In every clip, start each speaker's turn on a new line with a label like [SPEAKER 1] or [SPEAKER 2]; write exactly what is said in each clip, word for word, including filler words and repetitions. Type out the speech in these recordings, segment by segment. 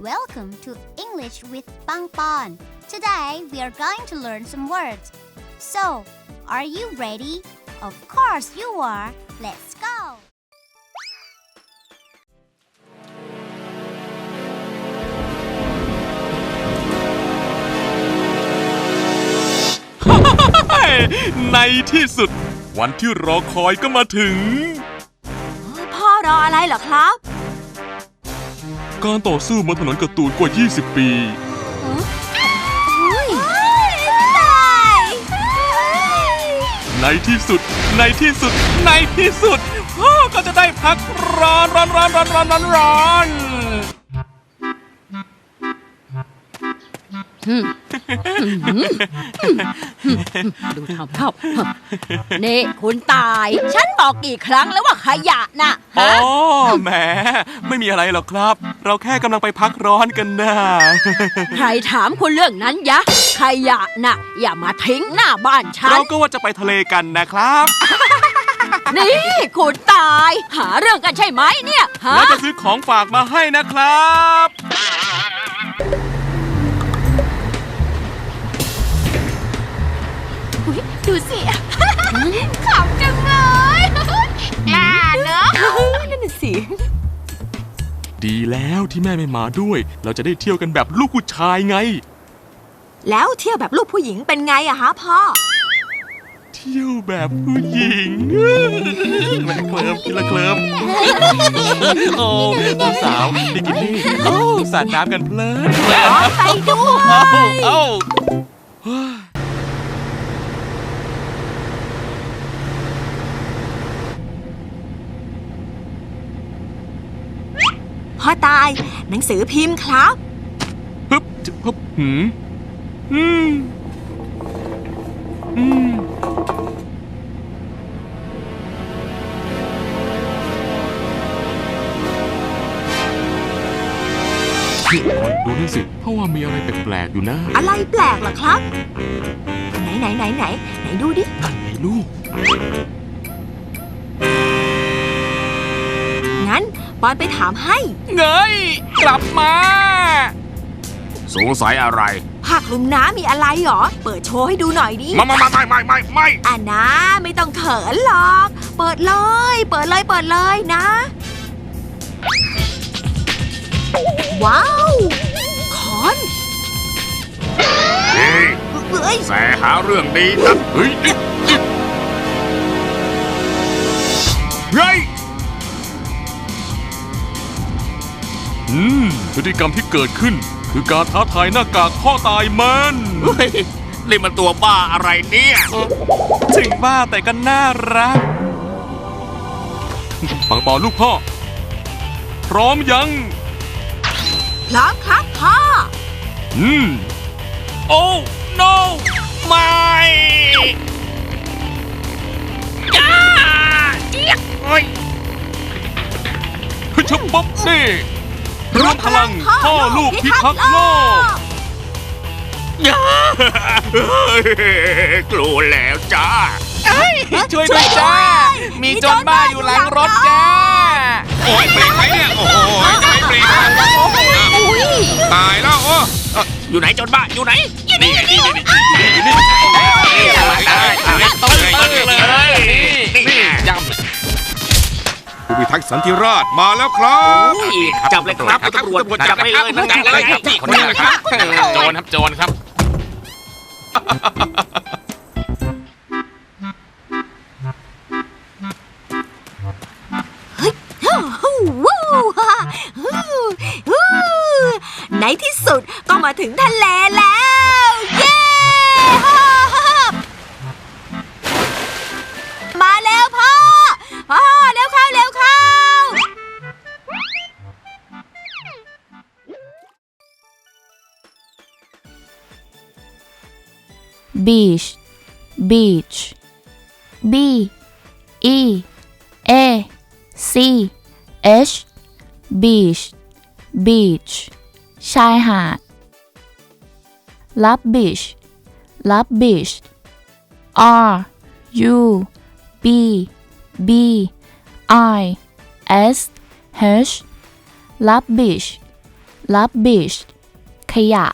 [SPEAKER 1] welcome to English with Pangpon. Today we are going to learn some words. So, are you ready? Of course you are. Let's go.
[SPEAKER 2] ในที่สุดวันที่รอคอยก็มาถึง
[SPEAKER 3] พ่อรออะไรเหรอครับ
[SPEAKER 2] การต่อสู้บนถนนการ์ตูนกว่ายี่สิบปีในที่สุดในที่สุดในที่สุดพ่อก็จะได้พักร้อนร้อนร้อนร้อนร้อนร้อนร้อน
[SPEAKER 3] ดูทำเข้านี่คุณตายฉันบอกกี่ครั้งแล้วว่าขยะน่ะ
[SPEAKER 2] อ๋อแหมไม่มีอะไรหรอกครับเราแค่กำลังไปพักร้อนกันนะ
[SPEAKER 3] ใครถามคุณเรื่องนั้นยะขยะน่ะอย่ามาทิ้งหน้าบ้านฉัน
[SPEAKER 2] เราก็ว่าจะไปทะเลกันนะครับ
[SPEAKER 3] นี่คุณตายหาเรื่องกันใช่ไหมเนี่ยฮะ
[SPEAKER 2] เราจะซื้อของฝากมาให้นะครับ
[SPEAKER 1] ดูสิขำจังเลยกล้าเนอะ
[SPEAKER 3] นั่นน่ะสิ
[SPEAKER 2] ดีแล้วที่แม่ไม่มาด้วยเราจะได้เที่ยวกันแบบลูกผู้ชายไง
[SPEAKER 3] แล้วเที่ยวแบบลูกผู้หญิงเป็นไงอะฮะพ่อ
[SPEAKER 2] เที่ยวแบบผู้หญิงแม่เคลิ้มกินละเคลิ้มโอ้สาวบิกินี่โอ้สาดน้ำกันเพลิน
[SPEAKER 3] ไปด้วย
[SPEAKER 2] เอ้า
[SPEAKER 3] พ่อตายหนังสือพิมพ์ครับ
[SPEAKER 2] ฮึบฮึบหืมอืมอืมพี่ออยดูนี่สิเพราะว่ามีอะไรแปลกๆอยู่นะ
[SPEAKER 3] อะไรแปลกเหรอครับไหนไหนไหนไหนไหนดูดิ
[SPEAKER 2] นั่นไงลูก
[SPEAKER 3] งั้นปอนไปถามให้
[SPEAKER 2] เงยกลับมาสงสัยอะไร
[SPEAKER 3] ผ้าคลุมน้ำมีอะไรหรอเปิดโชว์ให้ดูหน่อยดิ
[SPEAKER 2] ไม่ไม่ไม่ไม่ไม่ไม่
[SPEAKER 3] อ่ะนะไม่ต้องเขินหรอกเปิดเลยเปิดเลยเปิดเลยนะว้าวคอน
[SPEAKER 2] เฮ้ยแสหาเรื่องดีนะเฮ้ยเฮ้ยอืมพฤติกรรมที่เกิดขึ้นคือการท้าทายหน้ากากพ่อตายมันเฮ้ยนี่มันตัวบ้าอะไรเนี่ยถึงบ้าแต่ก็น่ารักปังปอลูกพ่อพร้อมยัง
[SPEAKER 3] พร้อมครับพ่อ
[SPEAKER 2] อืมโอ้ no ไม่จ้าเจี๊ยบเฮ้ยชุบป๊บนี่รวมพลังพ่อลูกพิทักษ์โลกกลัวแล้วจ้าช่วยด้วยจ้ามีโจรบ้าอยู่หลังรถจ้าโอ้ยเบรกไหมเนี่ยโอ้ยไม่เบรกตายแล้วโอ้อยู่ไหนโจรบ้าอยู่ไหนนี่นี่นี่นี่นี่นี่ต้นเลยนี่ย้ำผู้พิทักษ์สันติราษฎร์มาแล้วครับจับเลยครับตำรวจจับไปเลยจับเลยครับคนนี้ครับโจรครับโจรครับ
[SPEAKER 3] ในที่สุดก็มาถึงทะเลแล้วเย้มาแล้วพ่อพ่อเร็วเข้าเร็วเข้า
[SPEAKER 4] beach beach b e a c h beach beach ชายหาด rubbish rubbish r u b b i s h rubbish rubbish ขยะ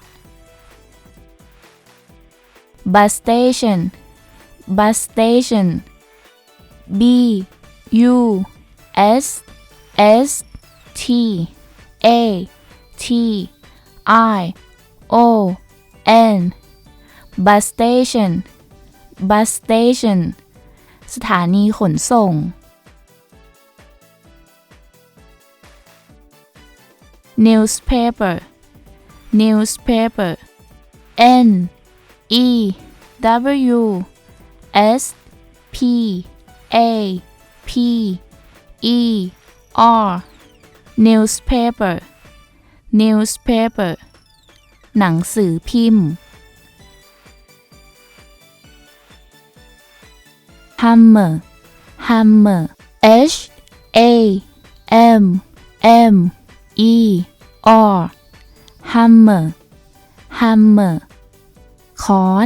[SPEAKER 4] bus station bus station b u s s t a t i o n bus station bus station สถานีขนส่ง newspaper newspaper n e w s p a p e r newspaper newspaper หนังสือพิมพ์ hammer hammer h a m m e r hammer hammer ค้อน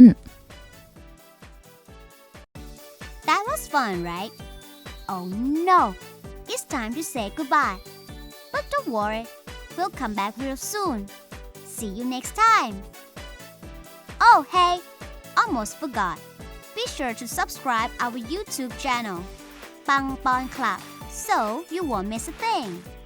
[SPEAKER 1] That was fun, right? Oh no, it's time to say goodbye. But don't worry, we'll come back real soon. See you next time. Oh, hey, almost forgot. Be sure to subscribe our YouTube channel, Pang Pon Club, so you won't miss a thing.